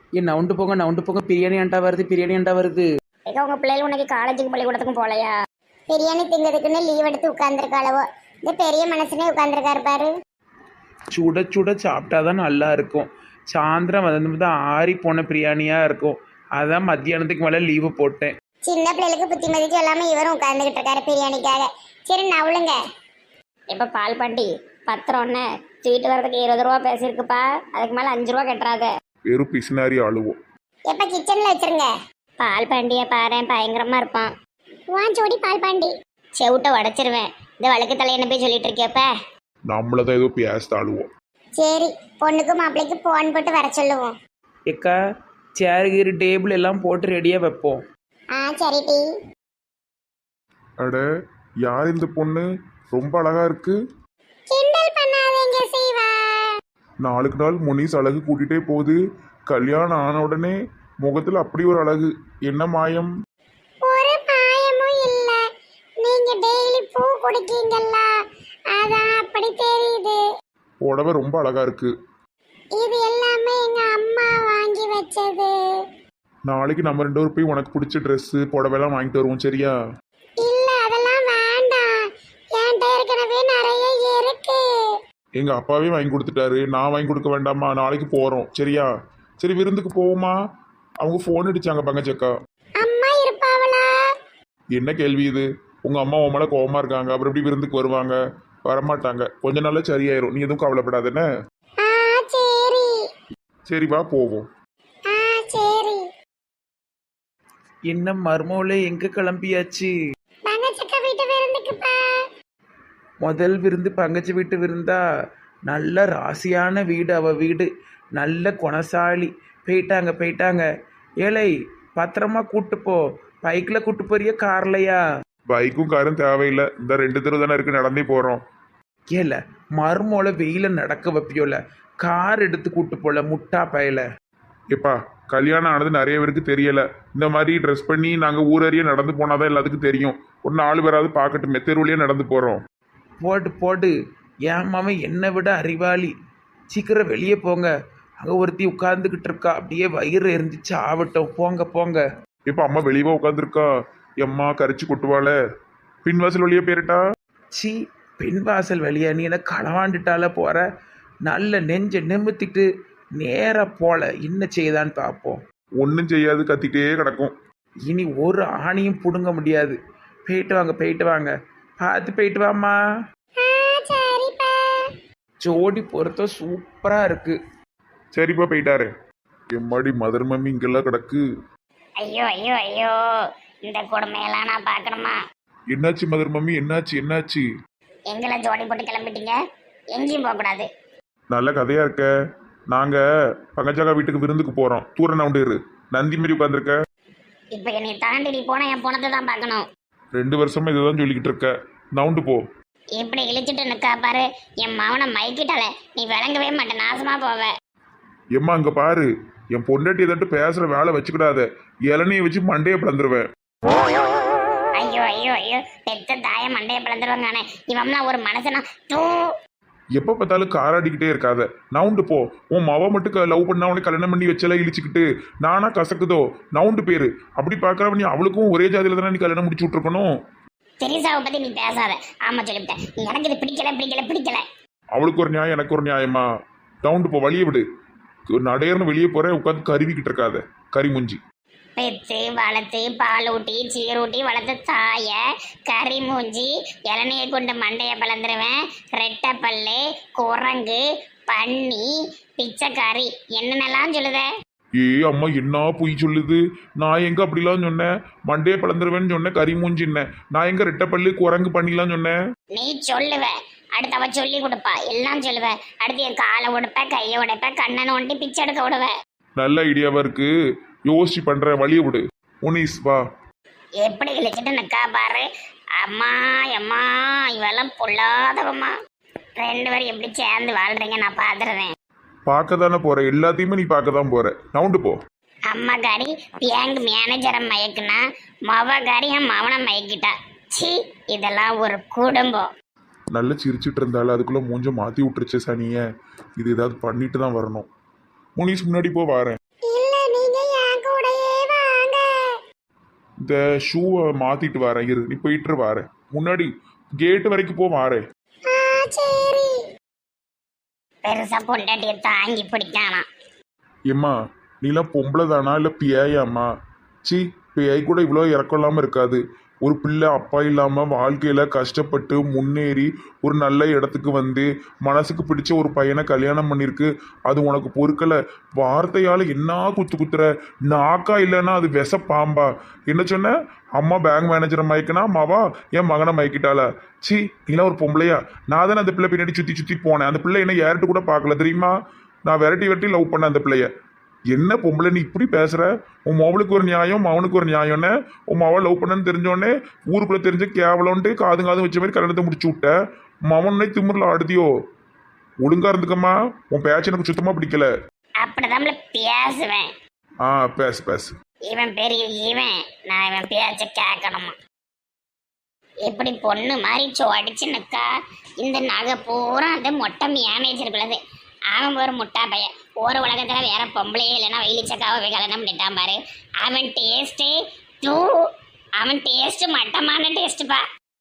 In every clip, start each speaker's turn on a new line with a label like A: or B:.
A: ஏன் நவுண்டு போங்க பிரியாணி ஆண்டா வருது பிரியாணி ஆண்டா வருது.
B: ஏக்கா உங்க பிள்ளைகள் உனக்கு காலேஜுக்கு பள்ளிக்கூடத்துக்கும் போகலையா? பிரியாணி திங்கிறதுக்குன்னு லீவ் எடுத்து உட்கார்ந்துருக்காளவோ. இந்த பெரிய மனுஷனே உட்கார்ந்துருக்காரு பாரு.
A: சுட சுட சாப்பிட்டாதான் நல்லா இருக்கும். சாயந்தரம் வந்து ஆறி போன பிரியாணியாக இருக்கும். அதான் மத்தியானத்துக்கு மேலே லீவு போட்டேன்.
B: சின்ன பிள்ளைகளுக்கு புத்திமதி சொல்லாம இவரும் உட்கார்ந்துகிட்டு இருக்காரு பிரியாணிக்காக. சரி நவுளுங்க. இப்ப பால் பாண்டி பத்திரம்னு ஸ்வீட் வரதுக்கு 20 ரூபா பேசியிருக்குப்பா. அதுக்கு மேல 5 ரூபா கட்டுறாத.
C: வெறும் பிசினாரி அழுவோம்.
B: எப்ப கிச்சன்ல வச்சிருங்க. பால் பாண்டிய பாரு பயங்கரமா இருப்பான். வாஞ்சோடி பால் பாண்டி செவிட்ட உடைச்சிருவேன். இந்த வழக்கு தலையனை போய் சொல்லிட்டு இருக்கியப்ப.
C: நம்மளதான் ஏதோ பேச அழுவோம்.
B: சரி பொண்ணுக்கு மாப்பிள்ளைக்கு போன் போட்டு வர சொல்லுவோம்.
A: ஏக்கா சேர் கீரு டேபிள் எல்லாம் போட்டு ரெடியாக வைப்போம்.
B: சரி டி.
C: அட யார் இந்த பொண்ணு? ரொம்ப அழகா இருக்கு.
B: கிண்டல் பண்ணாதீங்க சீவா.
C: நாளுக்கு நாள் முனிஸ் அழகு கூட்டிகிட்டே போகுது. கல்யாணம் ஆன உடனே முகத்தில் அப்படி ஒரு அழகு. என்ன மாயம்?
B: ஒரு மாயமும் இல்ல. நீங்க டெய்லி பூ குடிக்கீங்கல்ல, அதான் அப்படி தெரியுது.
C: புடவை ரொம்ப அழகா இருக்கு.
B: இது எல்லாமே எங்க அம்மா வாங்கி வச்சது.
C: நாளைக்கு நம்ம 2 பேரும் போய் உனக்கு பிடிச்ச ட்ரெஸ்ஸு புடவைலாம் வாங்கிட்டு வருவோம், சரியா?
B: இல்ல அதெல்லாம் வேண்டாம். என்கிட்ட ஏற்கனவே நிறைய இருக்கு.
C: எங்க அப்பாவே வாங்கி கொடுத்துட்டாரு. நான் வாங்கி கொடுக்க வேண்டாமா? நாளைக்கு போறோம், சரியா? சரி விருந்துக்கு போவோமா? அவங்க ஃபோன் அடிச்சாங்க பங்கச்சக்கா.
B: அம்மா இருப்பாவளா?
C: என்ன கேள்வி இது? உங்க அம்மா உன் மேல கோவமா இருக்காங்க. அப்புறம் எப்படி விருந்துக்கு வருவாங்க? வரமாட்டாங்க. கொஞ்ச நாள்ல சரியாயிரும். நீ எதுவும் கவலைப்படாதுன்னு.
B: சரி.
C: சரி வா போவோம்.
B: சரி.
A: என்ன மர்மோல எங்கே கிளம்பியாச்சு?
B: பங்கச்சக்கா வீட்டு விருந்துக்குப்பா.
A: முதல் விருந்து பங்கச்சி வீட்டு விருந்தா? நல்ல ராசியான வீடு அவ வீடு. நல்ல குணசாலி. போயிட்டாங்க. ஏழை பத்திரமா கூட்டு போ. பைக்கில் கூட்டு போறியா கார்லையா?
C: பைக்கும் காரும் தேவையில்லை. இந்த 2 தெரு தானே இருக்கு, நடந்தே போறோம்.
A: ஏல மர்மோல வெயில நடக்க வைப்பியோல. கார் எடுத்து கூட்டு போல முட்டா பயல.
C: எப்பா கல்யாணம் ஆனது நிறைய பேருக்கு தெரியல. இந்த மாதிரி ட்ரெஸ் பண்ணி நாங்கள் ஊரறிய நடந்து போனாதான் எல்லாத்துக்கும் தெரியும். ஒரு 4 பேராவது பார்க்கட்டுமே. தெருவுலயே நடந்து போறோம்.
A: போடு. என் மாமன் என்னை விட அறிவாளி. சீக்கிரம் வெளியே போங்க. அங்கே ஒருத்தி உட்கார்ந்துக்கிட்டு இருக்கா. அப்படியே வயிறு எரிஞ்சிச்சு ஆகட்டும். போங்க.
C: இப்ப அம்மா வெளியவா உட்காந்துருக்கா? எம்மா கரிச்சு கொட்டுவாள. பின்வாசல் வழியே போயிட்டா.
A: சி பெண் வாசல் வழியா? நீ என்ன களவாண்டுட்டால போற? நல்ல நெஞ்ச நிமித்திட்டு நேரா போல. என்ன செய்தான்னு பார்ப்போம்.
C: ஒன்றும் செய்யாது, கத்திட்டே கிடக்கும்.
A: இனி ஒரு ஆணியும் பிடுங்க முடியாது. போயிட்டு வாங்க. பார்த்து போயிட்டு வாம்மா.
B: சரிப்பா.
A: ஜோடி பொருத்தம் சூப்பரா இருக்கு.
C: சரிப்பா போயிட்டாரு. எம்மாடி மதர் மம்மி இங்கெல்லாம் கிடக்கு.
B: ஐயோ இந்த கொடுமையெல்லாம் நான் பார்க்கணுமா?
C: என்னாச்சு மதர் மம்மி? என்னாச்சு?
B: எங்களை ஜோடி போட்டு கிளம்பிட்டீங்க. எங்கேயும் போகக்கூடாது.
C: நல்ல கதையா இருக்க. நாங்க பங்கஜாக்கா வீட்டுக்கு விருந்துக்கு போறோம். தூர நவுண்டு இரு. நந்தி மாரி உட்காந்துருக்க.
B: இப்ப என்னை தாண்டி நீ போனா என் பணத்தை தான் பார்க்கணும்.
C: 2 வருஷமா இதுதான் சொல்லிக்கிட்டு இருக்க. நவுண்டு போ.
B: இப்படி இழிச்சிட்டு நிக்கா பாரு. என் மவனை மயக்கிட்டால நீ விளங்கவே மாட்டேன். நாசமா போவ.
C: எம்மா அங்க பாரு. என் பொண்டாட்டி எதாட்டு பேசுற வேலை வச்சுக்கிடாத. இளநியை வச்சு மண்டையை பிளந்துருவேன்.
B: ஐயோ பெத்த தாய மண்டைய பிளந்துருவாங்க. இவம்லாம் ஒரு மனுஷனா? தூ.
C: எப்ப பார்த்தாலும் காராடிக்கிட்டே இருக்காத. நவுண்டு போ. உன் மவ மட்டும் லவ் பண்ணா உனக்கு கல்யாணம் பண்ணி வச்செல்லாம் இழிச்சுக்கிட்டு நானா கசக்குதோ? நவுண்டு பேரு. அப்படி பாக்குறவ நீ அவளுக்கும் ஒரே ஜாதியில தானே நீ கல்யாணம் முடிச்சு விட்டுருக்கணும்.
B: தெரிசாவை பத்தி நீ பேசாத. ஆமா சொல்லிவிட்டேன். எனக்கு இது பிடிக்கல.
C: அவளுக்கு ஒரு நியாயம், எனக்கு ஒரு நியாயமா? நவுண்டு போ. வழியை விடு. நடையர்னு வெளியே போற. உட்காந்து கருவிக்கிட்டு இருக்காத. கறி முஞ்சி.
B: பெத்து வளர்த்து பால் ஊட்டி சீரூட்டி வளர்த்த தாய கறி மூஞ்சி இளநியை கொண்டு மண்டைய பிளந்துருவேன். ரெட்டை பல்லு, குரங்கு, பன்னி, பிச்சைக்காரி என்னென்னலாம் சொல்லுத?
C: அம்மா என்ன பொய் சொல்லுது? நான் எங்க அப்படிலாம் சொன்னேன்? மண்டையை பிளந்துருவேன்னு சொன்னேன். கறி மூஞ்சின்னேன். நான் எங்க ரெட்டைப்பள்ளி குரங்கு பண்ணிலாம் சொன்னேன்?
B: நீ சொல்லுவ. அடுத்து அவ சொல்லி கொடுப்பா. எல்லாம் சொல்லுவ. அடுத்து என் காலை உடைப்ப, கையை உடைப்ப, கண்ணனை ஒண்டி பிச்சை எடுக்க விடுவ.
C: நல்ல ஐடியாவா இருக்கு. யோசிச்சு பண்ற. வழியை விடு. முனிஸ் வா.
B: எப்படி இழுச்சிட்டு நிக்கா பாரு. அம்மா இவெல்லாம் பொல்லாதவம்மா. 2 பேரும் எப்படி சேர்ந்து வாழ்றீங்க நான் பாத்துறேன்.
C: பார்க்க தானே போற. எல்லாத்தையுமே நீ பார்க்க தான் போற. நவுண்டு போ.
B: அம்மா காரி பேங்க் மேனேஜரை மயக்குனா மவகாரி என் மவனை மயக்கிட்டா. சி இதெல்லாம் ஒரு குடும்பம்.
C: நல்லா சிரிச்சுட்டு இருந்தாலும் அதுக்குள்ள மூஞ்ச மாத்தி விட்டுருச்சு சனிய. இது ஏதாவது பண்ணிட்டு தான் வரணும். முனிஸ் முன்னாடி போ. வாரேன்.
B: இல்ல
C: இந்த ஷூவை மாத்திட்டு வரேன் இரு, நீ போயிட்டு வரேன், முன்னாடி கேட்டு வரைக்கும் போ வாரேன்.
B: சரி. பெருசா பொண்டாட்டிய தாங்கி பிடிக்கானா?
C: ஏம்மா நீலாம் பொம்பளை தானா இல்லை பியாயாம்மா? சி, பியாய் கூட இவ்வளோ இறக்கம் இல்லாமல் இருக்காது. ஒரு பிள்ளை அப்பா இல்லாமல் வாழ்க்கையில் கஷ்டப்பட்டு முன்னேறி ஒரு நல்ல இடத்துக்கு வந்து மனசுக்கு பிடிச்ச ஒரு பையனை கல்யாணம் பண்ணியிருக்கு. அது உனக்கு பொறுக்கலை. வார்த்தையால் என்ன குத்துற? நாக்கா இல்லைன்னா அது விஷ பாம்பா? என்ன சொன்ன? அம்மா பேங்க் மேனேஜரை மயக்கினா அம்மாவா என் மகனை மயக்கிட்டாளா? சி, நீலாம் ஒரு பொம்பளையா? நான் தானே அந்த பிள்ளை பின்னாடி சுற்றி போனேன். அந்த பிள்ளை என்ன யார்கிட்ட கூட பார்க்கல தெரியுமா? நான் விரட்டி லவ் பண்ணேன் அந்த பிள்ளைய. என்ன பொம்பளை நீ இப்படி பேசுற? உன் மவளுக்கு ஒரு நியாயம், மவனுக்கு ஒரு நியாயம்னு உன் மவள் லவ் பண்ணன்னு தெரிஞ்சோடனே ஊருக்குள்ள தெரிஞ்ச கேவலம்ட்டு காது வச்ச மாதிரி கல்யாணத்தை முடிச்சு விட்ட. மவனே திமிரில் ஆடுதியோ? ஒழுங்கா இருந்துக்கம்மா, உன் பேச்சு எனக்கு சுத்தமா பிடிக்கல.
B: அப்படிதான் பேசுவேன்.
C: பேசு.
B: இவன் பெரிய இவன், நான் இவன் பேச்ச கேட்கணுமா? எப்படி பொண்ணு மாதிரி அடிச்சு நிக்கா. இந்த நகை பூரா அந்த மொட்டை மேனேஜருக்குள்ளது. அவன் ஒரு முட்டா பையன். ஒரு உலகத்துல வேற பொம்பளையே இல்லைன்னா வெயிலிச்சக்காவை போய் கல்யாணம் பண்ணிட்டான் பாரு. அவன் டேஸ்டே தூ, அவன் டேஸ்ட் மட்டமான டேஸ்ட்பா.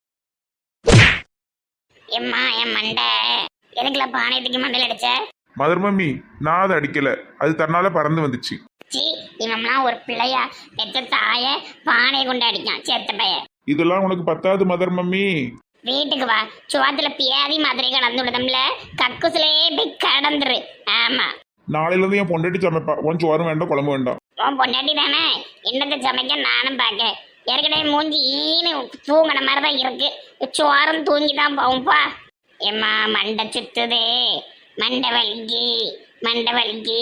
B: எம்மா என் மண்டை எதுக்குல பானையத்துக்கு மண்டையில் அடிச்ச?
C: மதர் மம்மி, நான் அதை அடிக்கல, அது தன்னால பறந்து வந்துச்சு.
B: சி, இவன்லாம் ஒரு பிள்ளையா? பெத்த தாய பானையை கொண்டு அடிக்கான் செத்த பையன்.
C: இதெல்லாம் உனக்கு பத்தாது மதர் மம்மி.
B: வீட்டுக்கு வா, சுவாத்துல பியாதி மாதிரி கடந்து விடுதம்ல, கக்குசிலேயே போய் கடந்துரு. ஆமா,
C: நாளையில இருந்து என் பொண்டாட்டி சமைப்பா. உன் சோறும் வேண்டாம், குழம்பு வேண்டாம்.
B: உன் பொண்டாட்டி தானே என்னத்தை சமைக்க நானும் பார்க்க. ஏற்கனவே மூஞ்சி ஈனு தூங்கின மாதிரி தான் இருக்கு. சோறும் தூங்கி தான் போகும்பா. ஏம்மா மண்டை சுத்துதே, மண்டை வலிக்கு.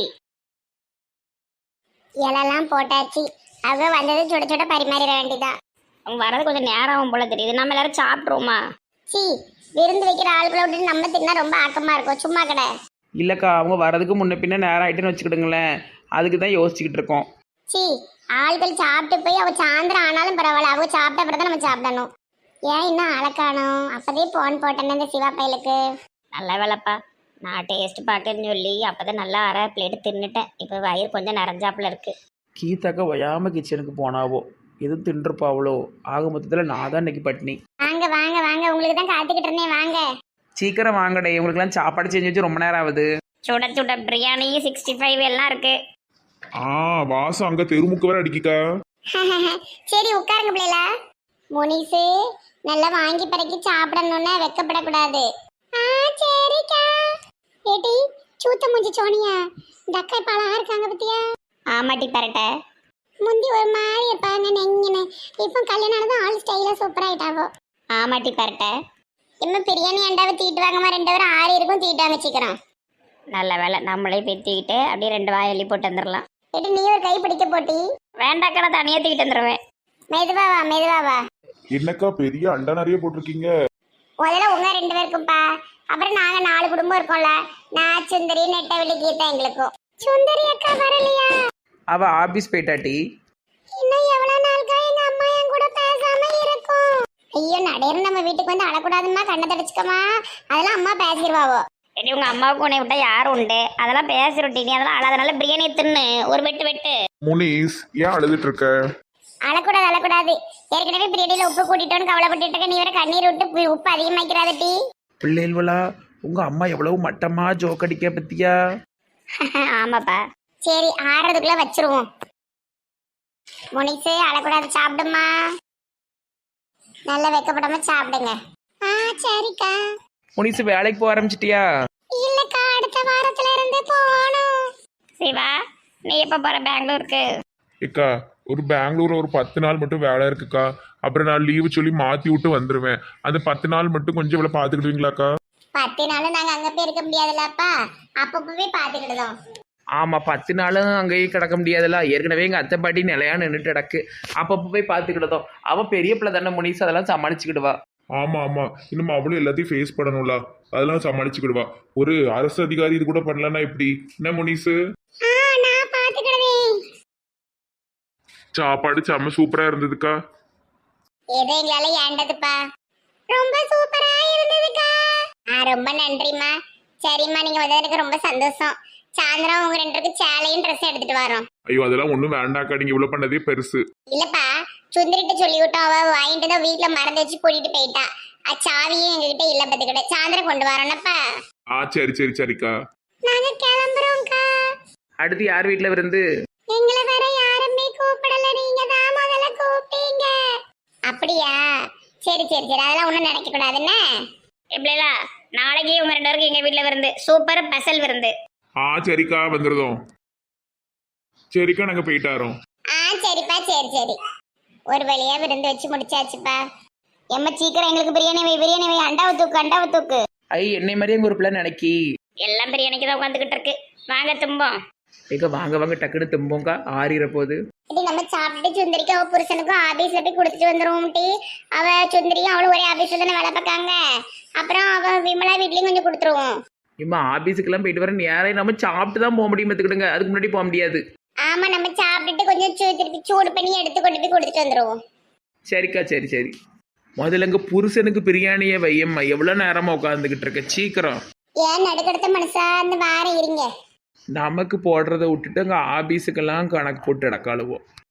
B: இலெல்லாம் போட்டாச்சு. அவ வந்தது சுட சுட பரிமாறிட வேண்டியதான். அவங்க வரது கொஞ்சம் நேரம் போல தெரியுது. நம்ம எல்லாரும் சாப்பிட்ருவோமா? சி, விருந்து வைக்கிற ஆள்களை விட்டு நம்ம தின்னா ரொம்ப ஆக்கமா இருக்கும். சும்மா கடை
A: இல்லைக்கா, அவங்க வர்றதுக்கு முன்ன பின்ன நேரம் ஆகிட்டுன்னு வச்சுக்கிடுங்களேன். அதுக்கு தான் யோசிச்சுக்கிட்டு இருக்கோம்.
B: சி, ஆள்கள் சாப்பிட்டு போய் அவ சாயந்தரம் ஆனாலும் பரவாயில்ல, அவங்க சாப்பிட்ட அப்புறம் தான் நம்ம சாப்பிடணும். ஏன் இன்னும் அழக்கானும்? அப்பதே போன் போட்டேன்னு இந்த சிவா பையலுக்கு. நல்ல வேலைப்பா, நான் டேஸ்ட் பார்க்கன்னு சொல்லி அப்போதான் நல்லா அரை பிளேட்டு தின்னுட்டேன். இப்போ வயிறு கொஞ்சம் நிறைஞ்சாப்புல இருக்கு.
A: கீதாக்கா வயாம கிச்சனுக்கு போனாவோ எதுவும் தின்றுப்பாவளோ? ஆக மொத்தத்தில் நான் தான் இன்னைக்கு பட்டினி.
B: வாங்க வாங்க வாங்க, உங்களுக்கு தான் காத்துக்கிட்டு இருந்தேன். வாங்க
A: சீக்கிரம் வாங்கடே, உங்களுக்குலாம் சாப்பாடு செஞ்சு வச்சு ரொம்ப நேரம் ஆகுது.
B: சுட சுட பிரியாணி 65 எல்லாம் இருக்கு.
C: வாசம் அங்க தெருமுக்கு வர அடிக்கிக்கா.
B: சரி உட்காருங்க பிள்ளைல. முனிசு நல்லா வாங்கி பறக்கி சாப்பிடணும்னா வெக்கப்படக்கூடாது. சரிக்கா. ஏடி சூத்த மூஞ்சி சோனியா, இந்த அக்கா இப்ப அழகா இருக்காங்க பத்தியா? ஆமாட்டி பரட்ட. முந்தி ஒரு மாதிரி இருப்பாங்க நெங்கின, இப்போ கல்யாணம் ஆனதும் ஆள் ஸ்டைலா சூப்பர் ஆயிட்டாவோ. ஆமாட்டி பரட்ட. இன்னும் பிரியாணி அண்டாவை தீட்டு வாங்கம்மா, 2 பேரும் 6 இருக்கும் தீட்டு வாங்க சீக்கிரம். நல்ல வேலை, நம்மளே பெத்திக்கிட்டு அப்படியே 2 வாய் எள்ளி போட்டு வந்துடலாம். ஏடி நீ ஒரு கை பிடிக்க போட்டி? வேண்டாக்கா, தனியா தூக்கிட்டு வந்துடுவேன். மெதுவா வா.
C: என்னக்கா பெரிய அண்டா நிறைய போட்டிருக்கீங்க?
B: முதல்ல உங்க 2 பேருக்கும்பா, அப்புறம் நாங்க 4 குடும்பம் இருக்கோம்ல. நான் சுந்தரி, நெட்டவெளி, கீதா எங்களுக்கும். சுந்தரி அக்கா வரலையா?
A: அவ ஆபீஸ் போயிட்டாட்டி.
B: இன்னும் எவ்வளவு நாளுக்கா எங்க அம்மா என் கூட பேசாம இருக்கும்? ஐயோ நடையற நம்ம வீட்டுக்கு வந்து அழக்கூடாதுமா, கண்ணை தடிச்சுக்கமா. அதெல்லாம் அம்மா பேசிடுவாவோ. எடி உங்க அம்மாவுக்கு உன்னை விட்டா யாரும் உண்டு? அதெல்லாம் பேசிருட்டி. நீ அதெல்லாம் அழாதனால பிரியாணி தின்னு ஒரு வெட்டு.
C: முனிஸ், ஏன் அழுதுட்டு இருக்க?
B: அழக்கூடாது. ஏற்கனவே பிரியாணியில உப்பு கூட்டிட்டோன்னு கவலைப்பட்டு இருக்க. நீ வேற கண்ணீர் விட்டு உப்பு அதிகமாக்கிறாத டி.
A: பிள்ளைகளா, உங்க அம்மா எவ்வளவு மட்டமா ஜோக் அடிக்க பத்தியா?
B: ஆமாப்பா. சரி, ஆறதுக்குள்ள வச்சிருவோம். முனிசு அழக்கூடாது, சாப்பிடுமா. நல்லா வெக்கப்படாம சாப்பிடுங்க. சரிக்கா.
A: முனிசு வேலைக்கு போக ஆரம்பிச்சிட்டியா?
B: இல்லக்கா, அடுத்த வாரத்துல இருந்து போகணும். சிவா, நீ எப்ப போற பெங்களூருக்கு?
C: ஏக்கா, ஒரு பெங்களூர்ல ஒரு 10 நாள் மட்டும் வேலை இருக்குக்கா. அப்புறம் நான் லீவு சொல்லி மாத்தி விட்டு வந்துருவேன். அந்த 10 நாள் மட்டும் கொஞ்சம் இவ்வளவு பாத்துக்கிடுவீங்களாக்கா?
B: 10 நாளும் நாங்க அங்க போய் இருக்க முடியாதுல்லப்பா, அப்பப்பவே பாத்துக்கிடுதோம்.
A: ஆமாம், 10 நாளும் அங்கேயே கிடக்க முடியாதுல்ல. ஏற்கனவே எங்கள் அத்தை பாட்டி நிலையா நின்றுட்டு கிடக்கு. அப்பப்போ போய் பார்த்துக்கிட்டதும் அவள் பெரிய பிள்ளை தானே முனிசு, அதெல்லாம் சமாளிச்சுக்கிடுவா.
C: ஆமா இன்னும் அவளும் எல்லாத்தையும் ஃபேஸ் பண்ணணும்ல, அதெல்லாம் சமாளிச்சுக்கிடுவா. ஒரு அரசு அதிகாரி இது கூட பண்ணலன்னா எப்படி? என்ன முனிசு?
B: நான் பாத்துக்கிடுவேன்.
C: சாப்பாடு செம்ம சூப்பரா இருந்ததுக்கா.
B: ஏதோ எங்களால ஏண்டதுப்பா. ரொம்ப சூப்பரா இருந்ததுக்கா. ரொம்ப நன்றிம்மா. சரிம்மா, நீங்க வந்ததுக்கு ரொம்ப சந்தோஷம். சாயந்தரம் உங்க 2 பேருக்கு சேலையும் ட்ரெஸ் எடுத்துட்டு வரோம்.
C: ஐயோ அதெல்லாம் ஒன்றும் வேண்டாக்கா, நீங்க இவ்வளவு பண்ணதே பெருசு.
B: இல்லப்பா, சுந்தரிட்ட சொல்லி விட்டோம், அவ வாங்கிட்டு தான் வீட்டுல மறந்து வச்சு கூட்டிட்டு போயிட்டா. சாவியும் எங்ககிட்ட இல்ல, பத்துக்கிட்ட சாயந்தரம் கொண்டு வரோம்னப்பா.
C: சரி சரி சரிக்கா.
B: நாங்க கிளம்புறோம்க்கா.
A: அடுத்து யார் வீட்டில் விருந்து?
B: எங்களை வேற யாருமே கூப்பிடல, நீங்க தான் முதல்ல கூப்பிட்டீங்க. அப்படியா? சரி சரி சரி, அதெல்லாம் ஒண்ணும் நினைக்க கூடாதுன்னு. எப்படிலா நாளைக்கு உங்க 2 பேருக்கு எங்க வீட்டுல விருந்து, சூப்பர் ஸ்பெஷல் விருந்து.
C: சரிக்கா வந்துருதோம். சரிக்கா நாங்க போயிட்டாரோம்.
B: சரிப்பா, சரி சரி. ஒரு வழியா விருந்து வச்சு முடிச்சாச்சுப்பா. எம்ம சீக்கிரம் எங்களுக்கு பிரியாணி வை, பிரியாணி வை, அண்டாவை தூக்கு, அண்டாவை தூக்கு.
A: என்னை மாதிரியே எங்கள் ஒரு பிள்ளை நினைக்கி
B: எல்லாம் பிரியாணிக்கு தான் உட்காந்துக்கிட்டு இருக்கு. வாங்க தும்போம்.
A: எங்க வாங்க வாங்க டக்குன்னு தும்போங்க, ஆறிற போது.
B: இது நம்ம சாப்பிட்டுட்டு சுந்தரிக்கு அவ புருஷனுக்கும் ஆபீஸ்ல போய் கொடுத்துட்டு வந்துருவோம். அவ சுந்தரியும் அவளும் ஒரே ஆபீஸ்ல தானே வேலை பார்க்காங்க. அப்புறம் அவ விமலா வீட்லயும் கொஞ்சம் கொடுத்துருவோம்.
A: இம்மா ஆபீஸுக்கெல்லாம் போயிட்டு வர நேரம் நம்ம சாப்பிட்டு தான் போக முடியும், பார்த்துக்கிடுங்க. அதுக்கு முன்னாடி போக முடியாது.
B: ஆமா, நம்ம சாப்பிட்டுட்டு கொஞ்சம் திருப்பி சூடு பண்ணி எடுத்து கொண்டு போய் கொடுத்துட்டு வந்துருவோம்.
A: சரிக்கா, சரி சரி. முதல்ல எங்க புருஷனுக்கு பிரியாணியை வையம்மா, எவ்வளோ நேரமா உட்காந்துக்கிட்டு இருக்க, சீக்கிரம்.
B: ஏன் நடுக்கடுத்த மனுஷா, அந்த வாரம் இருங்க.
A: நமக்கு போடுறத விட்டுட்டு அங்கே ஆபீஸுக்கெல்லாம் கணக்கு போட்டு இடக்காளுவோம்.